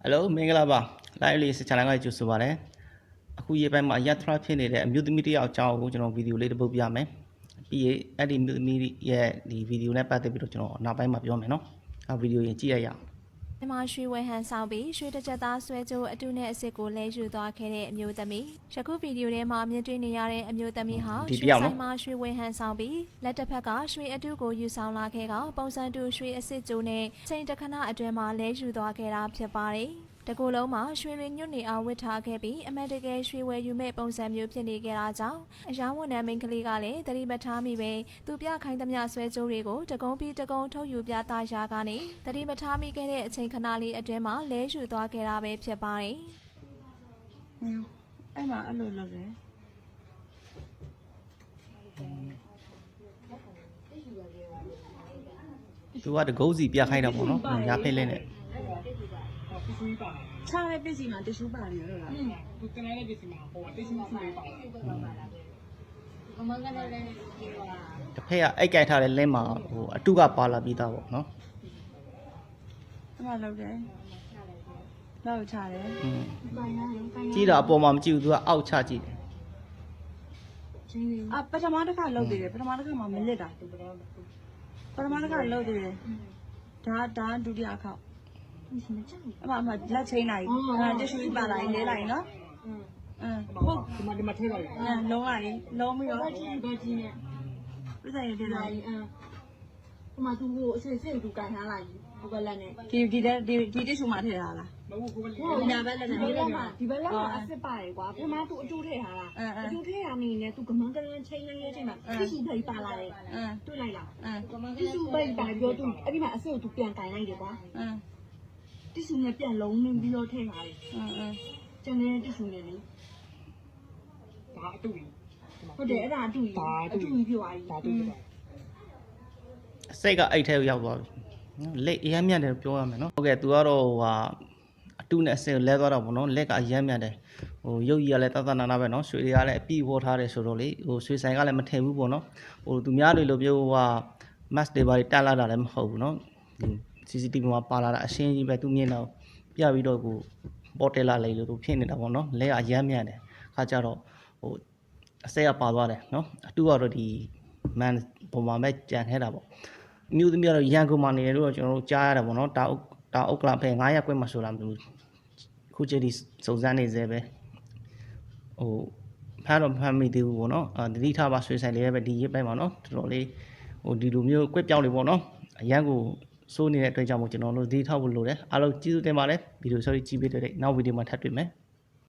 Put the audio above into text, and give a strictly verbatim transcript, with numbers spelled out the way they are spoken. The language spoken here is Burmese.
Hello မင်္ဂလာပါ live လေးစချန်နယ်ကကြိုဆိုပါရစေအခုရေးပိုင်းမှာရထရဖြစ်နေတဲ့အမျိုးသမီးတယောက်အကြောင်းကိုကျွန်တော်ဗီဒီယိုလေးတစ်ပုဒ်ပြမယ်ပြီးရင်အဲ့ဒီမျိုးသမီးရဲ့ဒီဗီဒီယိုနဲ့ပတ်သက်ပြီးတော့ကျွန်တော်နောက်ပိုင်းမှာပြောမယ်နော်အဲ့ဗီဒီယိုရင်ကြည့်ရအောင်ဒီမှာရွှေဝဲဟန်ဆောင်ပြီးရွှေတစ်ချက်သားဆွဲကြိုးအတုနဲ့အစ်စ်ကိုလဲယူသွားခဲ့တဲ့အမျိုးသမီးယခုဗီဒီယိုထဲမှာမြင်တွေ့နေရတဲ့အမျိုးသမီးဟာရွှေဆိုင်မှာရွှေဝဲဟန်ဆောင်ပြီးလက်တစ်ဖက်ကရွှေအတုကိုယူဆောင်လာခဲ့ကပုံစံတူရွှေအစ်စ်ကြိုးနဲ့ချိန်တခဏအတွင်းမှာလဲယူသွားခဲ့တာဖြစ်ပါတယ်တကူလုံးမှာရွှေရည်ညွတ်နေအောင်ဝစ်ထားခဲ့ပြီးအမတ်တကယ်ရွှေဝယ်ယူမဲ့ပုံစံမျိုးဖြစ်နေကြတာကြောင့်အယောင်ဝန်ထမ်းမိန်းကလေးကလည်းသတိမထားမိပဲသူပြခိုင်းသမျှဆွဲကြိုးတွေကိုတကုံးပြီးတကုံးထုတ်ယူပြသရာကနေသတိမထားမိခဲ့တဲ့အချိန်ခဏလေးအတွင်းမှာလဲယူသွားခဲ့တာပဲဖြစ်ပါတယ်။အဲ့မှာအဲ့လိုလုပ်တယ်သူကတကုန်းစီပြခိုင်းတာပေါ့နော်ညာဖိတ်လေးနဲ့ချားတဲ့ပစ္စည်းမှာတ िश ူးပါတယ်လို့လား။သူတင်တဲ့ပစ္စည်းမှာဟိုတ िश ူးစုလေးပါတယ်။ဘမကလည်းလည်းဒီပါ။တစ်ဖက်ကအိတ်ကြိုက်ထားတဲ့လင်းမှာဟိုအတုကပါလာပြီးသားပေါ့နော်။အဲ့မှာလုပ်တယ်။လောက်ချတယ်။อืมကြည့်တော့အပေါ်မှာမကြည့်ဘူးသူကအောက်ချကြည့်တယ်။အပထမတစ်ခါလုပ်သေးတယ်ပထမတစ်ခါမှမလစ်တာ။ပထမတစ်ခါလုပ်သေးတယ်။ဒါဒါဒုတိယအခေါက်အမအမလက်ချင်းလိုက်အဲတ िश ူးပါလိုက်လဲလိုက်နော်အင်းဟုတ်ဒီမှာဒီမှာထဲလိုက်အဲလုံးလိုက်လုံးပြီးတော့ကြည့်ကြည့်ကြည့်နဲ့ပြဿနာတွေလိုက်အင်းဒီမှာသူ့ကိုအစစ်စစ်သူကန်ထားလိုက်ဟိုဘက်လက်နဲ့ဒီဒီဒီဒီတ िश ူးမှာထည့်ထားလားမဟုတ်ဘူးဟိုညာဘက်လက်နဲ့ဒီဘက်မှာဒီဘက်လက်မှာအစစ်ပါတယ်ကွာပထမသူအကျိုးထည့်ထားတာအကျိုးထည့်ရနေနဲ့သူကမန်းကလေးချင်းလေးလေးချင်းမှာတ िश ူးပိတ်ပါလာတယ်အင်းတွေ့လိုက်လားအင်းတ िश ူးပိတ်ပါပြောသူအဲ့ဒီမှာအစစ်ကိုသူပြန်ကန်လိုက်တယ်ကွာအင်းတ िश ူးနဲ့ပြန်လုံးနေပြီးတော့ထည့်ထားတယ်အင်းအင်းကျန်တဲ့တ िश ူးနဲ့လေဒါအတူကြီးဟုတ်တယ်အဲ့ဒါအတူကြီးအတူကြီးပြောသွားပြီဒါအတူကြီးစိတ်ကအိတ်ထဲကိုရောက်သွားပြီလက်အရမ်းမြတ်တယ်ပြောရမယ်နော်ဟုတ်ကဲ့သူကတော့ဟိုဟာအတုနဲ့အစစ်ကိုလဲသွားတော့ဗောနော်လက်ကအရမ်းမြတ်တယ်ဟိုရုပ်ကြီးကလည်းတသနာနာပဲနော်ရွှေတွေကလည်းအပြည့်ဝေါ်ထားတယ်ဆိုတော့လေဟိုရွှေဆိုင်ကလည်းမထင်ဘူးဗောနော်ဟိုသူများတွေလိုမျိုးဟိုဟာ mass တွေပါတက်လာတာလည်းမဟုတ်ဘူးနော်ဒီ C C T V မှာပါလာတာအရှင်းကြီးပဲသူမြင်တော့ပြပြီးတော့ကိုပေါ်တယ်လာလေလို့သူဖြစ်နေတာဗောနော်လက်ကအရမ်းမြတ်တယ်ခါကြတော့ဟိုအစက်ကပါသွားတယ်နော်အတူကတော့ဒီ man ပုံမှာပဲကြံခဲ့တာဗောမြို့သမီးကတော့ရန်ကုန်မှာနေတယ်လို့ကျွန်တော်တို့ကြားရတာဗောနော်တာအုပ်တာအုပ်ကလဖဲ900ကွက်မှာဆိုတာမလို့ခုချိန်ဒီစုံစမ်းနေသေးပဲဟိုဖမ်းတော့ဖမ်းမိသေးဘူးဗောနော်အာတတိထားပါဆွေးဆိုင်လေးပဲဒီရစ်ပိုင်းပါနော်တော်တော်လေးဟိုဒီလိုမျိုးကွက်ပြောင်းနေဗောနော်အရန်ကိုစိုးနေတဲ့အတွက်ကြောင့်မို့ကျွန်တော်တို့ဒီထောက်ဖို့လိုတယ်အားလုံးကျေးဇူးတင်ပါတယ်ဗီဒီယို sorry ကြည့်ပေးတဲ့နောက်ဗီဒီယိုမှာထပ်တွေ့မယ်